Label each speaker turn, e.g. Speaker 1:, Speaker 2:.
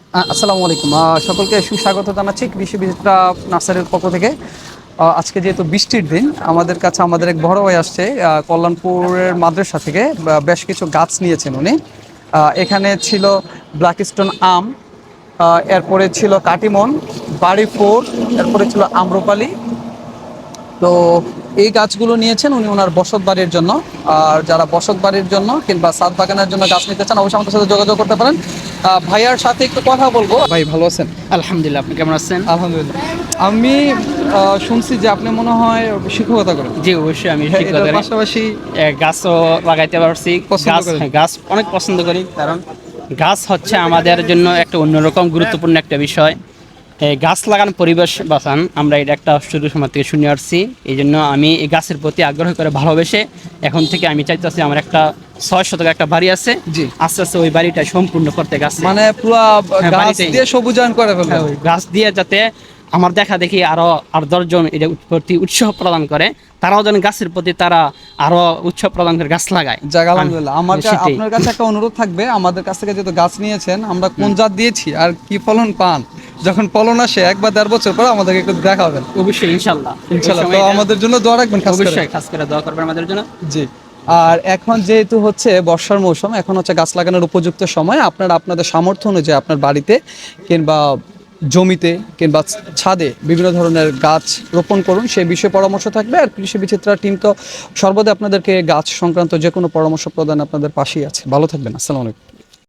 Speaker 1: আসসালামু আলাইকুম, সকলকে সুস্বাগত জানাচ্ছি কৃষি বিচিত্রা নার্সারির পক্ষ থেকে। আজকে যেহেতু বৃষ্টির দিন, আমাদের কাছে আমাদের এক বড় ভাই আসছে কল্যাণপুরের মাদ্রাসা থেকে। বেশ কিছু গাছ নিয়েছেন উনি। এখানে ছিল ব্ল্যাক স্টোন আম, এরপরে ছিল কাটিমন, বাড়ি ফোর, এরপরে ছিল আম্রপালি। তো এই গাছগুলো নিয়েছেন উনি ওনার বসত বাড়ির জন্য। আর যারা বসত বাড়ির জন্য কিংবা ছাদ বাগানের জন্য গাছ নিতে চান, অবশ্যই আমাদের সাথে যোগাযোগ করতে পারেন। ভাইয়ার সাথে একটু কথা বলবো। ভাই ভালো আছেন?
Speaker 2: আলহামদুলিল্লাহ, আপনি কেমন আছেন?
Speaker 1: আলহামদুলিল্লাহ। আমি শুনছি যে আপনি মনে হয় শিক্ষকতা করেন।
Speaker 2: জি, অবশ্যই আমি
Speaker 1: হ্যাঁ, এটার
Speaker 2: শিক্ষকের
Speaker 1: পাশাপাশি
Speaker 2: গাছও লাগাইতে পারছি।
Speaker 1: পছন্দ
Speaker 2: গাছ,
Speaker 1: করেন?
Speaker 2: হ্যাঁ, গাছ অনেক পছন্দ করি, কারণ গাছ হচ্ছে আমাদের জন্য একটা অন্যরকম গুরুত্বপূর্ণ একটা বিষয়। গাছ লাগান, পরিবেশ বাঁচান, আমরা এটা একটা শুরু সময় থেকে শুনে আসছি। এই জন্য আমি এই গাছের প্রতি আগ্রহ করে ভালোবেসে এখন থেকে আমি চাইতেছি, আমার একটা 6 শতক একটা বাড়ি আছে,
Speaker 1: জি।
Speaker 2: আস্তে আস্তে ওই বাড়িটা সম্পূর্ণ করতে গাছ,
Speaker 1: মানে পুরা
Speaker 2: হ্যাঁ,
Speaker 1: গাছ
Speaker 2: বাড়িতেই।
Speaker 1: দিয়ে সবুজায়ন করে ফেলবেন।
Speaker 2: হ্যাঁ, ওই গাছ দিয়ে যাতে আমার দেখা দেখি আরো আর 10 জন এটা প্রতি উৎসাহ প্রদান করে, তারাও যেন গাছের প্রতি তারা আরো উৎসাহ প্রদান করে গাছ লাগায়।
Speaker 1: যাক আলহামদুলিল্লাহ।
Speaker 2: সেটাই।
Speaker 1: আপনার কাছে একটা অনুরোধ থাকবে, আমাদের কাছ থেকে যেহেতু গাছ নিয়েছেন, আমরা কোন জাত দিয়েছি আর কি ফলন পান, যখন ফলন আসে 1 বা 1.5 বছর পর আমাদেরকে একটু দেখাবেন।
Speaker 2: অবশ্যই, ইনশাল্লাহ।
Speaker 1: ইনশাল্লাহ। তো আমাদের জন্য দোয়া রাখবেন খাস করে।
Speaker 2: অবশ্যই খাস করে দোয়া করবেন আমাদের জন্য।
Speaker 1: জি। আর এখন যেহেতু হচ্ছে বর্ষার মৌসুম, এখন হচ্ছে গাছ লাগানোর উপযুক্ত সময়। আপনারা আপনাদের সামর্থ্য অনুযায়ী আপনার বাড়িতে কিংবা জমিতে কিংবা ছাদে বিভিন্ন ধরনের গাছ রোপণ করুন, সেই বিষয়ে পরামর্শ থাকবে। আর কৃষি বিচিত্রা টিম তো সর্বদা আপনাদেরকে গাছ সংক্রান্ত যে কোনো পরামর্শ প্রদান আপনাদের পাশেই আছে। ভালো থাকবেন। আসসালামু আলাইকুম।